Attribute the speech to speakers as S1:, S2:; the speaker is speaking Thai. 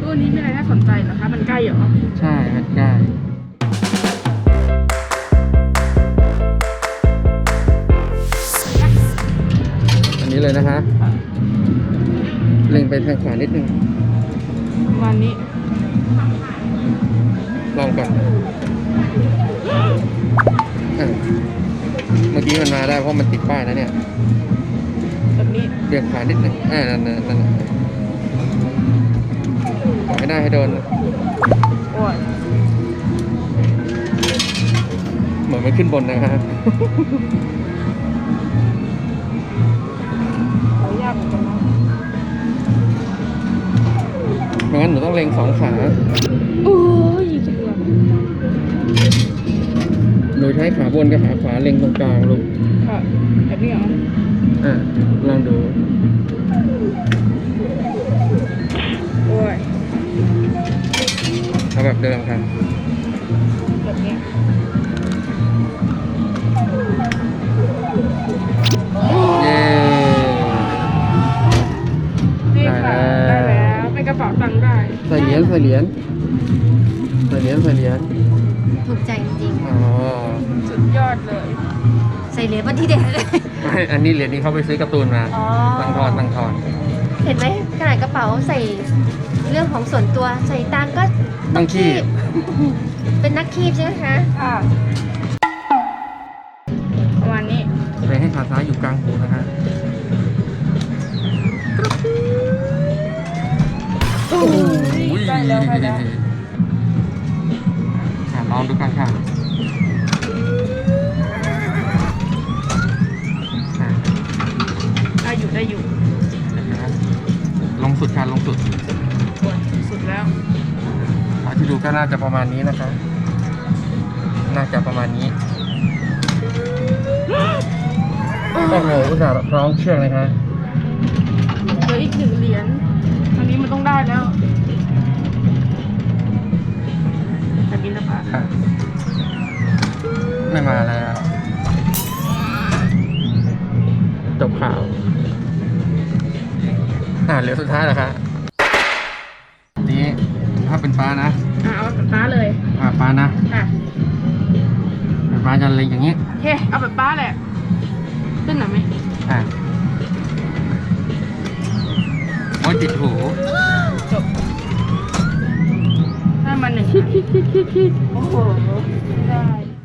S1: ตู้นี้มีอะไรน่าสนใจเหรอคะมันใกล้เหรอ
S2: ใช่มันใกล้อันนี้เลยนะคะเล็งไปทางขวานิดนึง
S1: ประมาณนี้
S2: ลองก่อนเมื่อกี้มันมาได้เพราะมันติดป้ายนะเนี่ย
S1: แบบนี้
S2: เบี่ยงขวานิดนึงนั่นขอให้ได้ให้โดน
S1: โอ้ย
S2: เหมือนมันขึ้นบนนะครับ
S1: ยากเหมือนกันนะ
S2: ไม่งั้นหนูต้องเล็งสองขา
S1: โอ้ยจะเกือบ
S2: หนูใช้ขาบนกับขาขวาเล็งตรงกลางลูก
S1: ค่ะแบบนี้เหรอ
S2: ลองดู
S1: โอ้ย
S2: เอาแบบเดิมครับ
S1: แบบนี้
S2: เย้
S1: นี่ค่ะได้แล้วเป็นกระเป๋าตังค์ได้
S2: ใส่เหรียญ
S3: ถูกใจจริง
S1: สุดยอดเลย
S3: ใส่เหรียญวันที่เด็ดเลย
S2: อันนี้เหรียญนี้เขาไปซื้อการ์ตูนมาตั้งทอน
S3: เห็นไหมขนาดกระเป๋าใส่เรื่องของส่วนตัวใส่ตังก็
S2: ต้องคีบ
S3: เป็นนักคีบใช่ไหมคะ
S1: ค่ะประมาณนี้
S2: เลยให้ขาซ้ายอยู่กลางหูนะคะ
S1: โอ้ยได้แล้ว
S2: ลองดูกันค่ะ
S1: ได้อยู่
S2: ลงสุดค่ะลงสุด
S1: สุดแล้ว
S2: ที่ดูก็น่าจะประมาณนี้นะคะน่าจะประมาณนี้โอ้โหอุตส่าห์คล้องเชือกเลยค่ะ
S1: เหลืออีก1 เหรียญอันนี้มันต้องได้แล้วแต่บินละบาท
S2: ไม่มาแล้วจบข่าวเหลือสุดท้ายแล้วครับนี้ถ้าเป็นฟ้านะ
S1: เอาแบบฟ้าเลย
S2: ฟ้านะ
S1: ค่ะ
S2: เป็นฟ้าจะเล็งอย่างนี้
S1: โอเคเอาแบบฟ้าแหละขึ้นหน่อยไหม
S2: โอ้ยติดหู
S1: จบได้มา1โอ้โหได้